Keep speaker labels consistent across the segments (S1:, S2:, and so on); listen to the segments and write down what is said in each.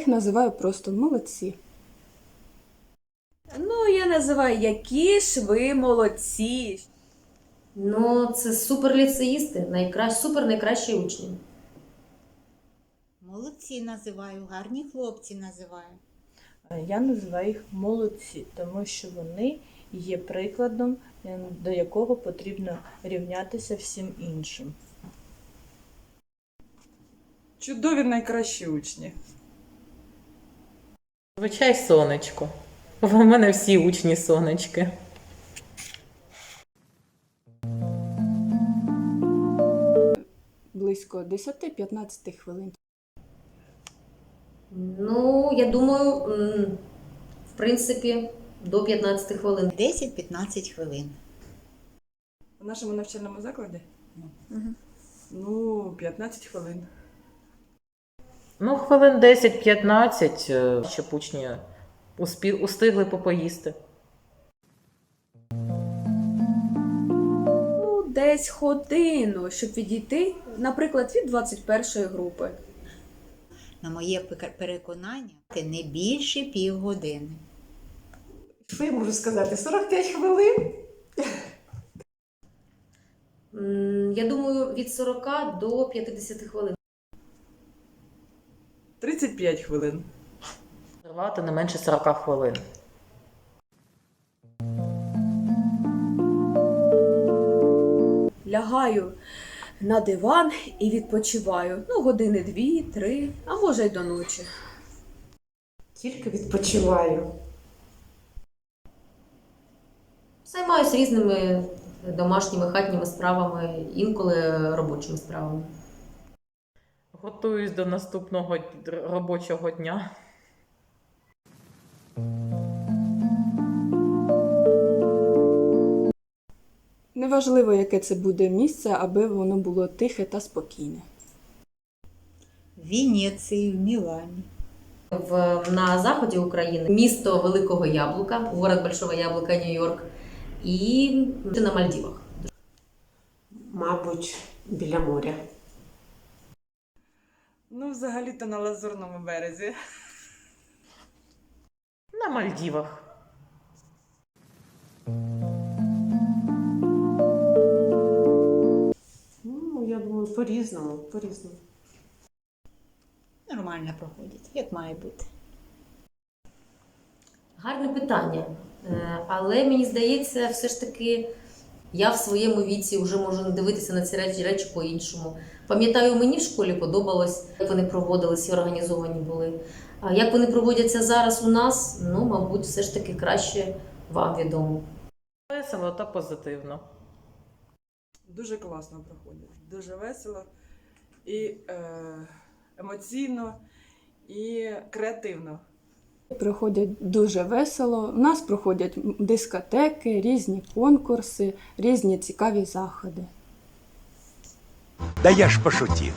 S1: їх називаю просто молодці.
S2: Ну, я називаю, які ж ви молодці.
S3: Ну, це суперліцеїсти, супер найкращі учні.
S4: Молодці називаю, гарні хлопці називаю.
S5: Я називаю їх молодці, тому що вони є прикладом, до якого потрібно рівнятися всім іншим.
S6: Чудові найкращі учні.
S7: Звичай сонечко. У мене всі учні сонечки.
S1: Близько 10-15 хвилин.
S3: Ну, я думаю, в принципі, до 15 хвилин.
S4: 10-15 хвилин.
S6: У нашому навчальному закладі? Ну, 15 хвилин.
S7: Ну, хвилин 10-15, щоб учні устигли попоїсти.
S2: Ну, десь годину, щоб відійти, наприклад, від 21-ї групи.
S4: На моє переконання, це не більше півгодини.
S8: Що я можу сказати? 45 хвилин?
S3: Я думаю, від 40 до 50 хвилин.
S6: 35 хвилин.
S7: Тривати не менше 40 хвилин.
S2: Лягаю на диван і відпочиваю. Ну, години 2-3, а може й до ночі.
S8: Тільки відпочиваю.
S3: Займаюся різними домашніми хатніми справами, інколи робочими справами.
S7: Готуюсь до наступного робочого дня.
S1: Неважливо, яке це буде місце, аби воно було тихе та спокійне.
S4: В Венеції, в Мілані.
S3: На заході України місто Великого Яблука, город Большого Яблука, Нью-Йорк, і на Мальдівах.
S8: Мабуть, біля моря.
S6: Ну, взагалі-то на Лазурному березі.
S7: На Мальдівах.
S8: Ну, я думаю, по-різному, по-різному.
S4: Нормально проходять, як має бути.
S3: Гарне питання. Але мені здається, все ж таки я в своєму віці вже можу дивитися на ці речі по-іншому. Пам'ятаю, мені в школі подобалось, як вони проводилися і організовані були. А як вони проводяться зараз у нас, ну, мабуть, все ж таки краще вам відомо.
S7: Весело та позитивно.
S6: Дуже класно проходять. Дуже весело і емоційно, і креативно.
S1: Проходять дуже весело. У нас проходять дискотеки, різні конкурси, різні цікаві заходи.
S9: Да я ж пошутил.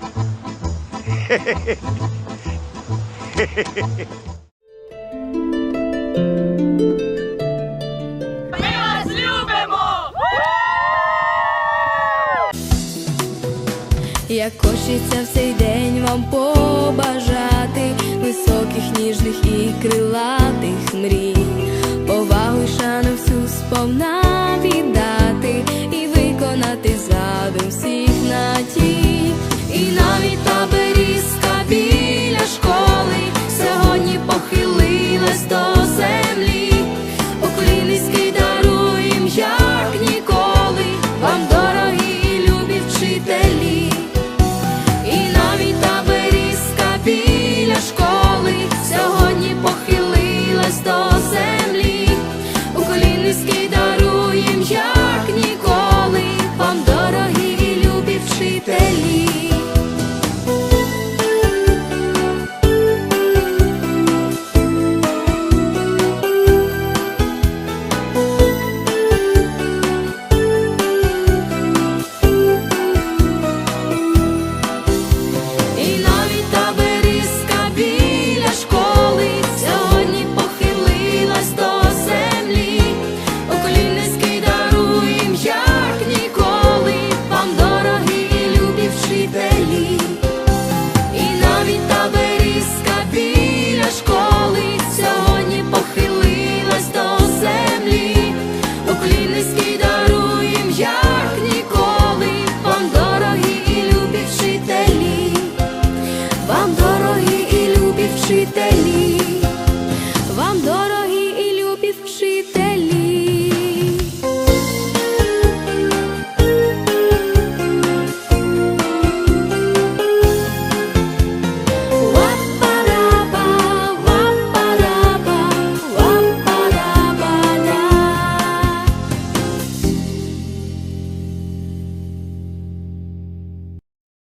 S10: Як хочеться в цей день вам побажати високих, ніжних і крилатих мрій, повагу й шану всю сповна віддати і виконати задум всі.